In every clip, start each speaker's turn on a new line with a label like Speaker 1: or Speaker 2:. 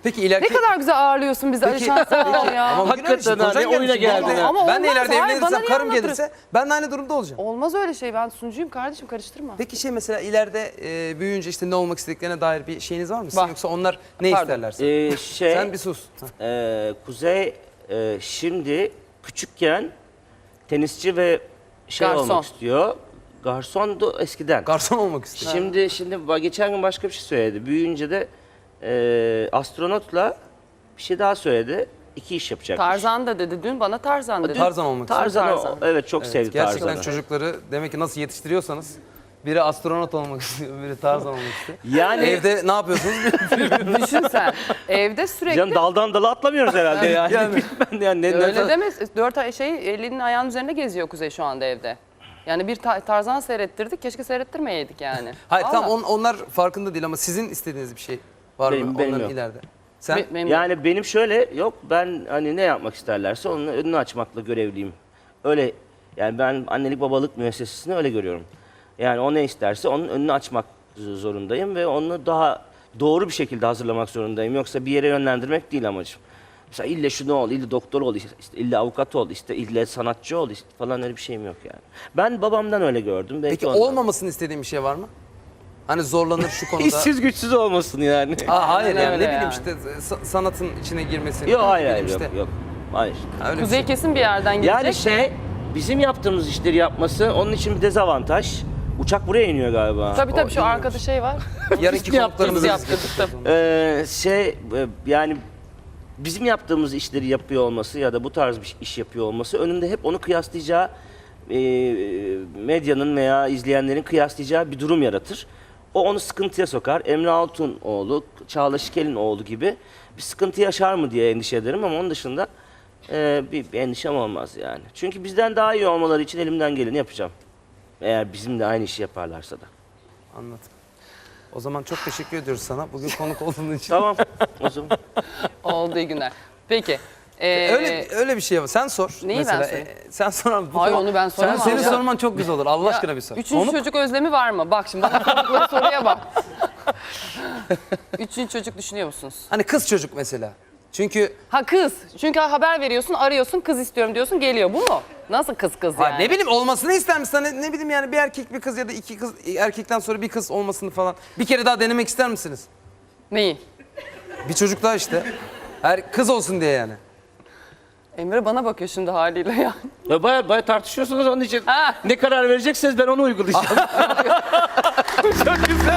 Speaker 1: Peki ileriki...
Speaker 2: Ne kadar güzel ağırlıyorsun bizi Alişan, sağ ol ya.
Speaker 1: Ama
Speaker 3: Hakikaten ha, ne oyuna geldin ha.
Speaker 2: Ama
Speaker 1: Ben de
Speaker 2: olmaz,
Speaker 1: ileride
Speaker 2: hayır, bana
Speaker 1: evlenirsem
Speaker 2: niye
Speaker 1: karım
Speaker 2: anlatırız?
Speaker 1: gelirse ben de aynı durumda olacağım.
Speaker 2: Olmaz öyle şey, ben sunucuyum kardeşim, karıştırma.
Speaker 1: Peki mesela ileride büyüyünce işte ne olmak istediklerine dair bir şeyiniz var mı? Sizin?
Speaker 2: Var.
Speaker 1: Yoksa onlar ne
Speaker 2: Pardon.
Speaker 1: isterlerse? Sen bir sus.
Speaker 3: Kuzey şimdi küçükken tenisçi ve
Speaker 2: Garson.
Speaker 3: olmak istiyor. Garsondu eskiden.
Speaker 1: Garson olmak istiyor.
Speaker 3: Şimdi geçen gün başka bir şey söyledi. Büyüyünce de astronotla bir şey daha söyledi. 2 iş yapacak.
Speaker 2: Tarzan da dedi dün, bana Tarzan dedi.
Speaker 1: Tarzan olmak istiyor.
Speaker 3: Tarzan. Evet, çok sevdi
Speaker 1: Gerçekten
Speaker 3: Tarzan'ı.
Speaker 1: çocukları demek ki nasıl yetiştiriyorsanız biri astronot olmak istiyor, biri Tarzan olmak istiyor.
Speaker 3: Yani
Speaker 1: Evde ne yapıyorsunuz?
Speaker 2: Düşün sen, evde sürekli...
Speaker 3: canım daldan dala atlamıyoruz herhalde yani.
Speaker 1: Yani.
Speaker 3: Ben yani
Speaker 2: Öyle deme, 4 ay elinin ayağının üzerinde geziyor Kuzey şu anda evde. Yani bir Tarzan seyrettirdik, keşke seyrettirmeyeydik yani.
Speaker 1: Hayır
Speaker 2: Vallahi.
Speaker 1: tamam onlar farkında değil ama sizin istediğiniz bir şey var mı
Speaker 3: Benim
Speaker 1: onların
Speaker 3: yok.
Speaker 1: ileride? Sen?
Speaker 2: Benim-
Speaker 3: Yani benim şöyle yok, ben hani ne yapmak isterlerse onun önünü açmakla görevliyim. Öyle yani, ben annelik babalık müessesesini öyle görüyorum. Yani o ne isterse onun önünü açmak zorundayım ve onu daha doğru bir şekilde hazırlamak zorundayım. Yoksa bir yere yönlendirmek değil amacım. Mesela ille şunu ol, ille doktor ol, işte ille avukat ol, işte ille sanatçı ol işte falan, öyle bir şeyim yok yani. Ben babamdan öyle gördüm. Belki
Speaker 1: Peki
Speaker 3: ondan.
Speaker 1: olmamasını istediğin bir şey var mı? Hani zorlanır şu konuda.
Speaker 3: İşsiz güçsüz olmasın yani.
Speaker 1: Hayır
Speaker 2: Aynen
Speaker 1: yani
Speaker 2: öyle
Speaker 1: ne bileyim
Speaker 2: yani.
Speaker 1: işte sanatın içine girmesi.
Speaker 3: Yok
Speaker 1: ne
Speaker 3: hayır,
Speaker 1: bileyim
Speaker 3: hayır
Speaker 1: işte.
Speaker 3: yok. Hayır.
Speaker 1: Ha, öyle bir
Speaker 2: Kuzey
Speaker 1: şey.
Speaker 2: kesin bir yerden gelecek.
Speaker 3: Yani bizim yaptığımız işleri yapması onun için bir dezavantaj. Uçak buraya iniyor galiba.
Speaker 2: Tabii
Speaker 1: O
Speaker 2: tabii, şu
Speaker 1: bilmiyorum.
Speaker 2: arkada şey var.
Speaker 1: Yarınki
Speaker 3: Biz
Speaker 1: konuklarımızı
Speaker 2: yaptık,
Speaker 1: biz
Speaker 2: yaptık.
Speaker 1: getireceğiz.
Speaker 3: Yani bizim yaptığımız işleri yapıyor olması ya da bu tarz bir iş yapıyor olması önünde hep onu kıyaslayacağı, medyanın veya izleyenlerin kıyaslayacağı bir durum yaratır. O onu sıkıntıya sokar. Emre Altunoğlu, Çağla Şikel'in oğlu gibi bir sıkıntı yaşar mı diye endişe ederim ama onun dışında bir endişem olmaz yani. Çünkü bizden daha iyi olmaları için elimden geleni yapacağım. Eğer bizimle aynı işi yaparlarsa da.
Speaker 1: Anladım. O zaman çok teşekkür ediyoruz sana. Bugün konuk olduğun için.
Speaker 3: Tamam o zaman.
Speaker 2: Olduğu günler. Peki.
Speaker 1: Öyle bir şey var. Sen sor.
Speaker 2: Neyi ben
Speaker 1: mesela.
Speaker 2: sorayım?
Speaker 1: Sen sor abi.
Speaker 2: Hayır, onu ben soramam
Speaker 1: Senin
Speaker 2: ya.
Speaker 1: sorman çok güzel olur. Allah aşkına bir sor.
Speaker 2: Üçüncü çocuk özlemi var mı? Bak şimdi bana sordukları soruya bak. Üçüncü çocuk düşünüyor musunuz?
Speaker 1: Hani kız çocuk mesela. Çünkü
Speaker 2: Ha kız. Çünkü haber veriyorsun, arıyorsun, kız istiyorum diyorsun, geliyor. Bu mu? Nasıl kız yani?
Speaker 1: ha, ne bileyim olmasını ister misin? Hani ne bileyim yani bir erkek bir kız ya da 2 kız erkekten sonra bir kız olmasını falan. Bir kere daha denemek ister misiniz?
Speaker 2: Neyi?
Speaker 1: Bir çocuk daha işte. Her kız olsun diye yani.
Speaker 2: Emre bana bakıyor şimdi haliyle ya.
Speaker 3: Ya Baya tartışıyorsunuz onun için.
Speaker 2: Ha.
Speaker 3: Ne karar verecekseniz ben onu uygulayacağım. Çok güzel.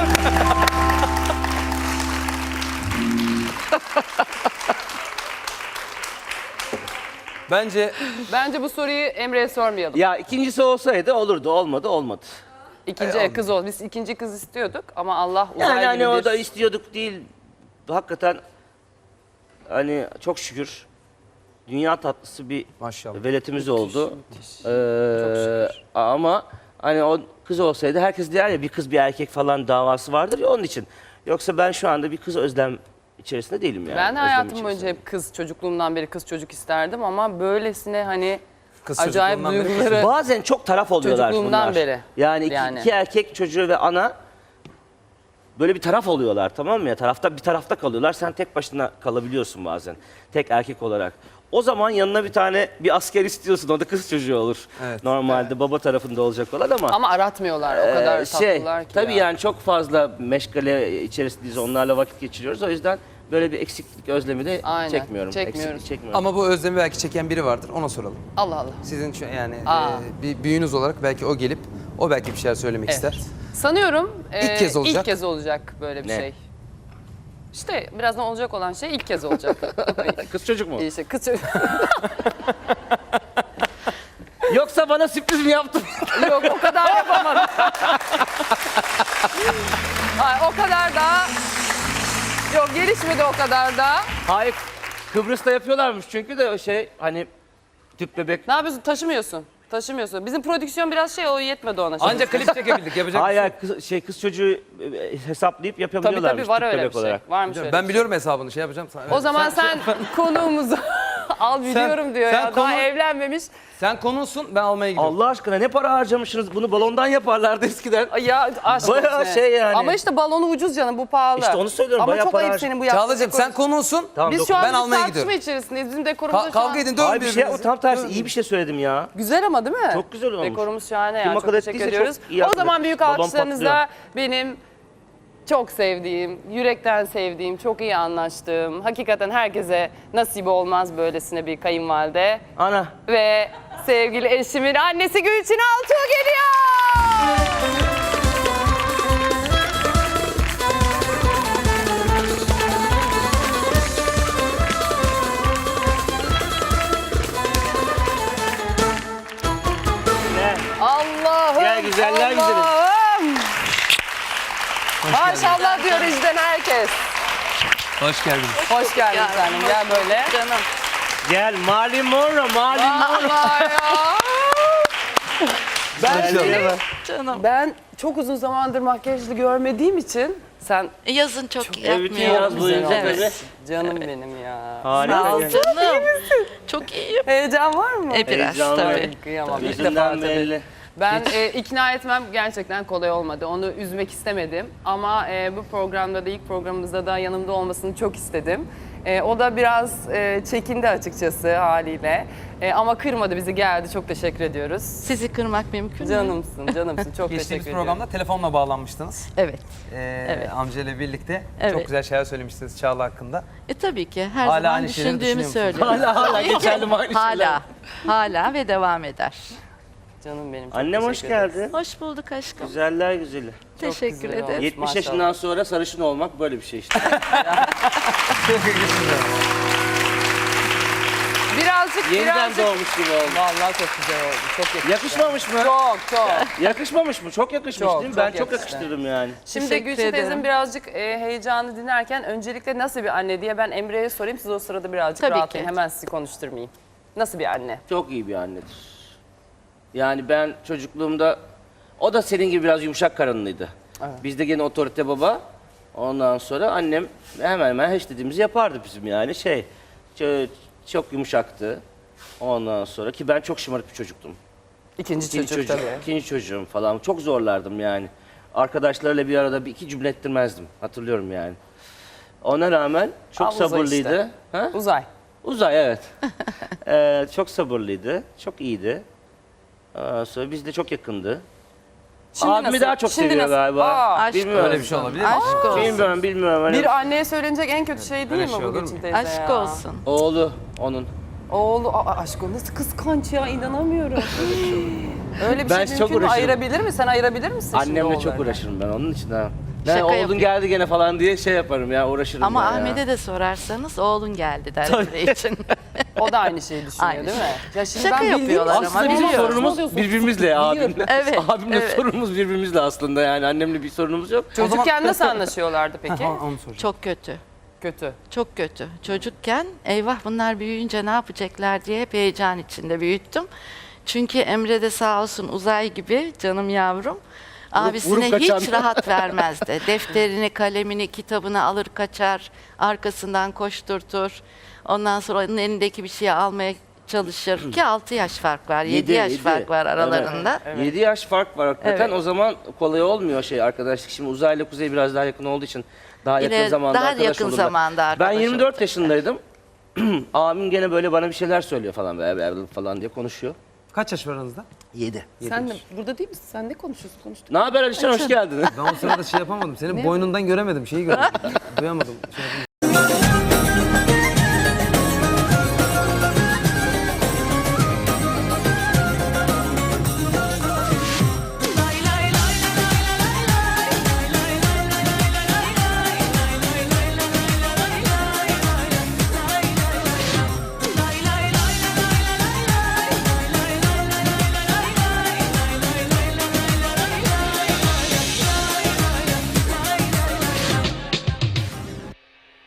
Speaker 1: Bence
Speaker 2: Bu soruyu Emre'ye sormayalım.
Speaker 3: Ya ikincisi olsaydı olurdu, olmadı.
Speaker 2: İkinci kız ol. Biz ikinci kız istiyorduk ama Allah uzay
Speaker 3: Yani
Speaker 2: gibi
Speaker 3: hani
Speaker 2: bir...
Speaker 3: o da istiyorduk değil. Hakikaten hani çok şükür dünya tatlısı bir
Speaker 1: maşallah.
Speaker 3: veletimiz oldu.
Speaker 2: müthiş.
Speaker 3: Ama hani o kız olsaydı, herkes der ya bir kız bir erkek falan davası vardır ya, onun için. Yoksa ben şu anda bir kız özlem içerisinde değilim yani.
Speaker 2: Ben de
Speaker 3: özlem
Speaker 2: hayatım
Speaker 3: içerisinde.
Speaker 2: boyunca hep kız, çocukluğumdan beri kız çocuk isterdim ama böylesine hani
Speaker 1: Kız
Speaker 2: acayip
Speaker 1: çocukluğundan beri
Speaker 2: duyguları...
Speaker 3: Bazen çok taraf oluyorlar
Speaker 2: Çocukluğumdan
Speaker 3: bunlar.
Speaker 2: beri.
Speaker 3: Yani
Speaker 2: Yani.
Speaker 3: iki erkek çocuğu ve ana böyle bir taraf oluyorlar, tamam mı ya? Bir tarafta kalıyorlar. Sen tek başına kalabiliyorsun bazen. Tek erkek olarak. O zaman yanına bir asker istiyorsun. O da kız çocuğu olur.
Speaker 1: Evet.
Speaker 3: Normalde baba tarafında olacak olan ama
Speaker 2: Ama aratmıyorlar, o kadar tatlılar ki
Speaker 3: tabii
Speaker 2: ya.
Speaker 3: yani çok fazla meşgale içerisindeyiz. Onlarla vakit geçiriyoruz. O yüzden böyle bir eksiklik özlemi de
Speaker 2: Aynen,
Speaker 3: çekmiyorum.
Speaker 2: çekmiyoruz.
Speaker 3: Eksiklik çekmiyorum.
Speaker 1: Ama bu özlemi belki çeken biri vardır. Ona soralım.
Speaker 2: Allah Allah.
Speaker 1: Sizin yani
Speaker 2: Aa.
Speaker 1: bir büyüğünüz olarak belki o gelip o belki bir şeyler söylemek ister.
Speaker 2: Sanıyorum
Speaker 1: İlk kez olacak.
Speaker 2: ilk kez olacak böyle bir
Speaker 3: Ne?
Speaker 2: şey. İşte birazdan olacak olan şey ilk kez olacak.
Speaker 3: Kız çocuk mu?
Speaker 2: İşte kız çocuk.
Speaker 3: Yoksa bana sürpriz mi yaptın?
Speaker 2: Yok, o kadar yapamadım. Hayır, o kadar da... Yok, gelişmedi o kadar da.
Speaker 3: Hayır. Kıbrıs'ta yapıyorlarmış çünkü de hani tüp bebek.
Speaker 2: Ne yapıyorsun? Taşımıyorsun. Bizim prodüksiyon biraz o yetmedi ona. Şimdi.
Speaker 1: Ancak klip çekebildik. Yapacak bir şey
Speaker 3: Hayır,
Speaker 1: yok.
Speaker 3: kız çocuğu hesaplayıp
Speaker 2: Tabii
Speaker 3: yapabiliyorlarmış.
Speaker 2: tabii var
Speaker 3: tüp
Speaker 2: öyle
Speaker 3: bebek
Speaker 2: bir şey.
Speaker 3: olarak.
Speaker 2: Varmış öyle
Speaker 1: Ben
Speaker 2: bir
Speaker 1: biliyorum hesabını şey yapacağım.
Speaker 2: şey. O zaman sen konuğumuzu Al biliyorum diyor
Speaker 1: sen
Speaker 2: ya.
Speaker 1: konu-
Speaker 2: Daha evlenmemiş.
Speaker 1: Sen konuğsun, ben almaya gidiyorum.
Speaker 3: Allah aşkına ne para harcamışsınız? Bunu balondan yaparlardı eskiden.
Speaker 2: Ay ya aşk
Speaker 3: Bayağı
Speaker 2: olsun.
Speaker 3: şey yani.
Speaker 2: Ama işte balonu ucuz canım, bu pahalı.
Speaker 3: İşte onu söylüyorum,
Speaker 2: Ama
Speaker 3: bayağı
Speaker 2: çok
Speaker 3: para
Speaker 2: ayıp
Speaker 3: harc-
Speaker 2: senin bu yaptığın
Speaker 1: Çağla'cığım sen
Speaker 2: dekor.
Speaker 1: konuğsun.
Speaker 3: Tamam,
Speaker 2: Biz şu an
Speaker 1: Ben
Speaker 2: bir
Speaker 1: almaya
Speaker 2: tartışma
Speaker 1: gidiyorum.
Speaker 2: içerisindeyiz. Bizim dekorumuzda şu
Speaker 1: Kavga
Speaker 2: an...
Speaker 1: edin, dövün
Speaker 3: Ay bir şey
Speaker 1: birbirinizi.
Speaker 3: tam tersi iyi bir şey söyledim ya.
Speaker 2: Güzel ama değil mi?
Speaker 3: Çok güzel olmuş.
Speaker 2: Dekorumuz şahane
Speaker 3: Kim
Speaker 2: ya. Çok
Speaker 3: akıl
Speaker 2: teşekkür
Speaker 3: ettiyse
Speaker 2: ediyoruz.
Speaker 3: çok iyi
Speaker 2: O
Speaker 3: akıl
Speaker 2: zaman
Speaker 3: etmiş.
Speaker 2: büyük
Speaker 3: Babam
Speaker 2: alkışlarınızla benim çok sevdiğim, yürekten sevdiğim, çok iyi anlaştığım, hakikaten herkese nasip olmaz böylesine bir kayınvalide.
Speaker 3: Ana.
Speaker 2: Ve sevgili eşimin annesi Gülçin Altuğ geliyor.
Speaker 3: Gel.
Speaker 2: Allah'ım.
Speaker 3: Gel güzeller güzeli.
Speaker 2: Allah'ım. Maşallah diyor izden herkes.
Speaker 1: Hoş geldiniz.
Speaker 2: Hoş geldin canım. Gel böyle. Canım.
Speaker 3: Gel Marilyn Monroe, Marilyn Monroe.
Speaker 2: Allah ya.
Speaker 3: Ben
Speaker 2: Ben çok uzun zamandır makyajlı görmediğim için sen
Speaker 4: Yazın çok
Speaker 3: bütün
Speaker 4: yapmıyorum.
Speaker 3: yaz boyunca
Speaker 2: güzel
Speaker 3: böyle.
Speaker 2: olmuşsun. Canım benim ya.
Speaker 3: Harika.
Speaker 4: Canım. Çok iyiyim.
Speaker 2: Heyecan var mı?
Speaker 4: Biraz
Speaker 3: Heyecanlı.
Speaker 4: tabii.
Speaker 2: Kıyamam. İlk defa
Speaker 3: Yüzünden
Speaker 2: tabii.
Speaker 3: belli.
Speaker 2: Ben ikna etmem gerçekten kolay olmadı. Onu üzmek istemedim. Ama bu programda da ilk programımızda da yanımda olmasını çok istedim. O da biraz çekindi açıkçası haliyle. Ama kırmadı bizi, geldi. Çok teşekkür ediyoruz.
Speaker 4: Sizi kırmak mümkün mü?
Speaker 2: Canımsın, canımsın. Çok
Speaker 1: Geçtiğimiz
Speaker 2: teşekkür
Speaker 1: programda
Speaker 2: ediyorum.
Speaker 1: telefonla bağlanmıştınız.
Speaker 4: Evet.
Speaker 1: Evet. Amcayla birlikte.
Speaker 4: Evet.
Speaker 1: Çok güzel şeyler söylemiştiniz Çağla hakkında.
Speaker 4: Tabii ki her
Speaker 1: Hala
Speaker 4: zaman
Speaker 1: aynı şeyleri
Speaker 4: düşündüğümü
Speaker 1: düşünüyor musunuz?
Speaker 4: söylüyorum.
Speaker 3: Hala geçerli aynı şeyler.
Speaker 4: Hala. Hala ve devam eder.
Speaker 2: Canım benim. Çok
Speaker 3: Annem hoş
Speaker 2: teşekkür ederim.
Speaker 3: geldin.
Speaker 4: Hoş bulduk aşkım.
Speaker 3: Güzeller güzeli.
Speaker 4: Teşekkür
Speaker 2: güzel
Speaker 4: ederim.
Speaker 2: olmuş.
Speaker 3: 70
Speaker 2: Maşallah.
Speaker 3: yaşından sonra sarışın olmak böyle bir şey işte. Yeniden doğmuş gibi oldu.
Speaker 2: Vallahi çok güzel oldu. Çok yakıştı.
Speaker 3: Yakışmamış mı?
Speaker 2: Çok çok.
Speaker 3: Yakışmamış mı? Çok yakışmış
Speaker 2: Çok,
Speaker 3: değil mi?
Speaker 2: çok
Speaker 3: Ben çok
Speaker 2: yakıştı.
Speaker 3: yakıştırdım yani.
Speaker 2: Şimdi
Speaker 4: Teşekkür
Speaker 2: Gülçin
Speaker 4: ederim.
Speaker 2: teyzem birazcık heyecanlı dinlerken öncelikle nasıl bir anne diye ben Emre'ye sorayım. Siz o sırada birazcık
Speaker 4: Tabii
Speaker 2: rahatlayın.
Speaker 4: ki.
Speaker 2: Hemen sizi konuşturmayayım. Nasıl bir anne?
Speaker 3: Çok iyi bir annedir. Yani ben çocukluğumda, o da senin gibi biraz yumuşak karınlıydı. Bizde gene otorite baba. Ondan sonra annem hemen hemen her istediğimizi yapardı bizim yani çok yumuşaktı. Ondan sonra ki ben çok şımarık bir çocuktum.
Speaker 2: İkinci çocuk tabii.
Speaker 3: İkinci çocuğum falan. Çok zorlardım yani. Arkadaşlarla bir arada bir iki cümle ettirmezdim. Hatırlıyorum yani. Ona rağmen çok
Speaker 2: Al Uzay
Speaker 3: sabırlıydı.
Speaker 2: işte.
Speaker 3: Ha?
Speaker 2: Uzay.
Speaker 3: Uzay evet. Çok sabırlıydı. Çok iyiydi. Sonra biz de çok yakındı.
Speaker 2: Şimdi
Speaker 3: Abimi
Speaker 2: nasıl?
Speaker 3: daha çok
Speaker 2: Şimdi
Speaker 3: seviyor
Speaker 2: nasıl?
Speaker 3: galiba.
Speaker 2: Aa,
Speaker 4: Aşk
Speaker 3: Bilmiyorum.
Speaker 1: Öyle bir şey olabilir mi?
Speaker 4: Aşk olsun.
Speaker 3: Bilmiyorum. Hani
Speaker 2: bir anneye söylenecek en kötü şey değil
Speaker 1: Öyle
Speaker 2: mi
Speaker 1: şey
Speaker 2: bu
Speaker 1: olur
Speaker 2: Gülçin
Speaker 1: mu?
Speaker 2: teyze
Speaker 4: Aşk
Speaker 2: ya?
Speaker 4: olsun.
Speaker 3: Oğlu onun.
Speaker 2: Oğlu, aşk o nasıl kıskanç ya, inanamıyorum. Öyle bir
Speaker 3: Ben
Speaker 2: şey
Speaker 3: çok
Speaker 2: mümkün mü?
Speaker 3: uğraşırım.
Speaker 2: Ayırabilir mi? Sen ayırabilir misin şimdi
Speaker 3: Annemle çok
Speaker 2: oğullarını?
Speaker 3: uğraşırım ben onun için ha. Ben
Speaker 4: Şaka
Speaker 3: oğlun
Speaker 4: yapıyor.
Speaker 3: geldi gene falan diye şey yaparım ya uğraşırım
Speaker 4: Ama
Speaker 3: ben ya.
Speaker 4: Ahmet'e de sorarsanız oğlun geldi der Emre için.
Speaker 2: O da aynı şeyi düşünüyor
Speaker 4: Aynı
Speaker 2: değil mi? Ya şimdi
Speaker 4: Şaka
Speaker 2: ben bildiğim
Speaker 4: yapıyorlar ama
Speaker 3: Aslında bizim
Speaker 4: biliyorum.
Speaker 3: sorunumuz birbirimizle abimle.
Speaker 4: Evet,
Speaker 3: Abimle
Speaker 4: evet.
Speaker 3: sorunumuz birbirimizle aslında yani annemle bir sorunumuz yok.
Speaker 2: Çocukken nasıl anlaşıyorlardı peki?
Speaker 1: Ha, onu soracağım.
Speaker 4: Çok kötü.
Speaker 2: Kötü.
Speaker 4: Çok kötü. Çocukken eyvah bunlar büyüyünce ne yapacaklar diye hep heyecan içinde büyüttüm. Çünkü Emre de sağ olsun Uzay gibi canım yavrum. Abisine
Speaker 3: vurup kaçan.
Speaker 4: hiç rahat vermezdi. Defterini, kalemini, kitabını alır kaçar. Arkasından koşturtur. Ondan sonra onun elindeki bir şeyi almaya çalışır. Ki 6 yaş fark var, 7 yaş fark var aralarında.
Speaker 3: Evet. 7 yaş fark var hakikaten.
Speaker 4: Evet.
Speaker 3: O zaman kolay olmuyor arkadaşlık. Şimdi Uzay'la Kuzey biraz daha yakın olduğu için daha yakın
Speaker 4: Yine
Speaker 3: zamanda
Speaker 4: daha
Speaker 3: arkadaş
Speaker 4: yakın
Speaker 3: olurlar.
Speaker 4: zamanda arkadaş
Speaker 3: Ben 24
Speaker 4: olacak.
Speaker 3: yaşındaydım. Abim gene böyle bana bir şeyler söylüyor falan diye konuşuyor.
Speaker 1: Kaç yaş var aranızda?
Speaker 3: 7.
Speaker 2: Sen de burada değil misin? Sen ne konuşuyorsun? Konuştuk.
Speaker 3: Ne haber Alişan hoş geldin.
Speaker 1: Ben o sırada şey yapamadım. Senin boynundan göremedim. Şeyi göremedim. Duyamadım. Şey yapamadım.